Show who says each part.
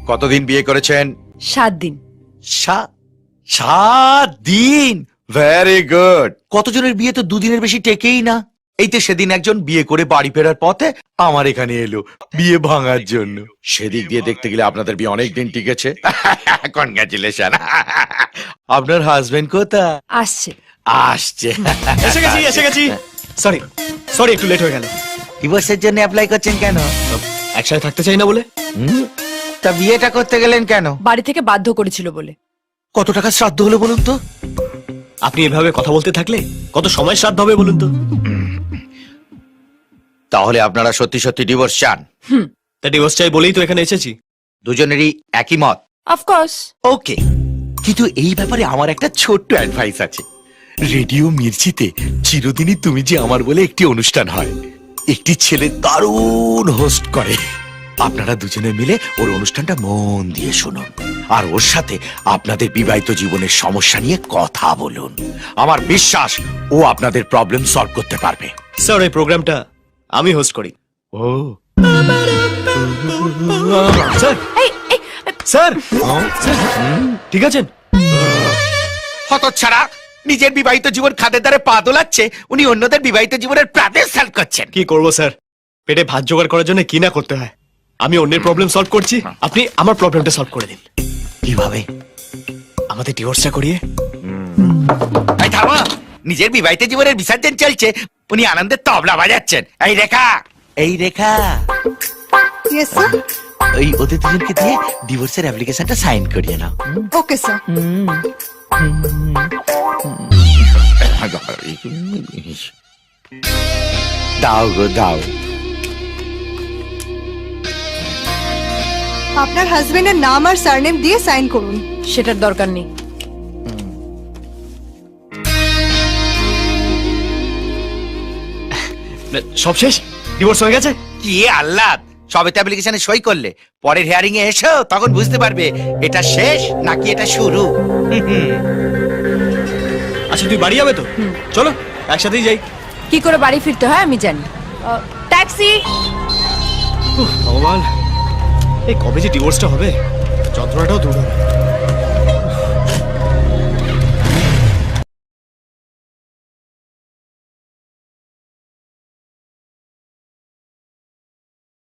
Speaker 1: কতদিন বিয়ে করেছেন?
Speaker 2: 7 দিন।
Speaker 1: 7 দিন? Very good. কতজনের বিয়ে তো 2 দিনের বেশি টেকেই না। এই তো সেদিন একজন বিয়ে করে বাড়ি ফেরার পথে আমার এখানে এলো বিয়ে ভাঙার জন্য। সেদিক দিয়ে দেখতে গেলে আপনাদের বিয়ে অনেক দিন টিকেছে। কনগ্রাচুলেশন। আপনার হাজবেন্ড কোথায়?
Speaker 2: আসছে।
Speaker 1: আসছে।
Speaker 3: এসে গেছি। সরি একটু লেট হয়ে গেল।
Speaker 1: ডিভোর্সের জন্য অ্যাপ্লাই করছেন কেন?
Speaker 3: একসাথে থাকতে চাই না বলে।
Speaker 1: তা বিয়েটা করতে গেলেন কেন?
Speaker 2: বাড়ি থেকে বাধ্য করেছিল বলে।
Speaker 1: কত টাকা শ্রাদ্ধ হলো বলুন তো?
Speaker 3: আপনি এভাবে কথা বলতে থাকলে কত সময় শ্রাদ্ধ হবে বলুন তো?
Speaker 1: তাহলে আপনারা সত্যি সত্যি ডিভোর্স চান?
Speaker 3: তা ডিভোর্স চাই বলেই তো এখানে এসেছি।
Speaker 1: দুজনেরই একই মত?
Speaker 2: অফকোর্স।
Speaker 1: ওকে, কিন্তু এই ব্যাপারে আমার একটা ছোট্ট অ্যাডভাইস আছে। রেডিও মির্চিতে চিরদিনই তুমি যে আমার বলে একটি অনুষ্ঠান হয়। একটি ছেলে দারুণ হোস্ট করে। আপনারা দুজনে মিলে ওর অনুষ্ঠানটা মন দিয়ে শুনুন, আর ওর সাথে আপনাদের বিবাহিত জীবনের সমস্যা নিয়ে কথা বলুন। আমার বিশ্বাস ও আপনাদের প্রবলেম সলভ করতে পারবে।
Speaker 3: স্যার এই প্রোগ্রামটা আমি হোস্ট করি।
Speaker 1: ও
Speaker 3: স্যার স্যার ঠিক আছেন?
Speaker 1: হতচ্ছাড়া, নিজের বিবাহিত জীবন খাদের দ্বারে পা দোলাচ্ছে, উনি অন্যদের বিবাহিত জীবনের প্রাণের সলভ করছেন।
Speaker 3: কি করবো স্যার, পেটে ভাত জোগাড় করার জন্য কি না করতে হয়। আমি অন্যের প্রবলেম সলভ করছি, আপনি আমার প্রবলেমটা সলভ করে দিন।
Speaker 1: কিভাবে?
Speaker 3: আমাদের ডিভোর্সটা করিয়ে।
Speaker 1: এই থামো, নিজের বিবাহিত জীবনের বিসর্জন চলছে, উনি আনন্দের তবলা বাজাচ্ছেন। এই রেখা, এই রেখা,
Speaker 4: ইয়েস স্যার।
Speaker 1: ওই ওদের দুজনকে দিয়ে ডিভোর্সের অ্যাপ্লিকেশনটা সাইন করিয়ে নাও।
Speaker 4: Okay sir.
Speaker 1: দাও গো দাও।
Speaker 4: আপনার হাজবেন্ডের নাম আর সারনেম দিয়ে সাইন করুন।
Speaker 2: সেটার দরকার নেই।
Speaker 3: সব শেষ? ডিভোর্স হয়ে গেছে?
Speaker 1: কি আহ্লাদ, সবে তো অ্যাপ্লিকেশনে সই করলে, পরের হিয়ারিং এ এসো, তখন বুঝতে পারবে এটা শেষ নাকি এটা শুরু।
Speaker 3: আচ্ছা তুই বাড়ি যাবে তো? চলো একসাথেই যাই।
Speaker 2: কি করে বাড়ি ফিরতে হয় আমি জানি। ট্যাক্সি।
Speaker 3: ভগবান, এই কবে যে ডিভোর্সটা হবে, যন্ত্রণাটাও দূর হবে।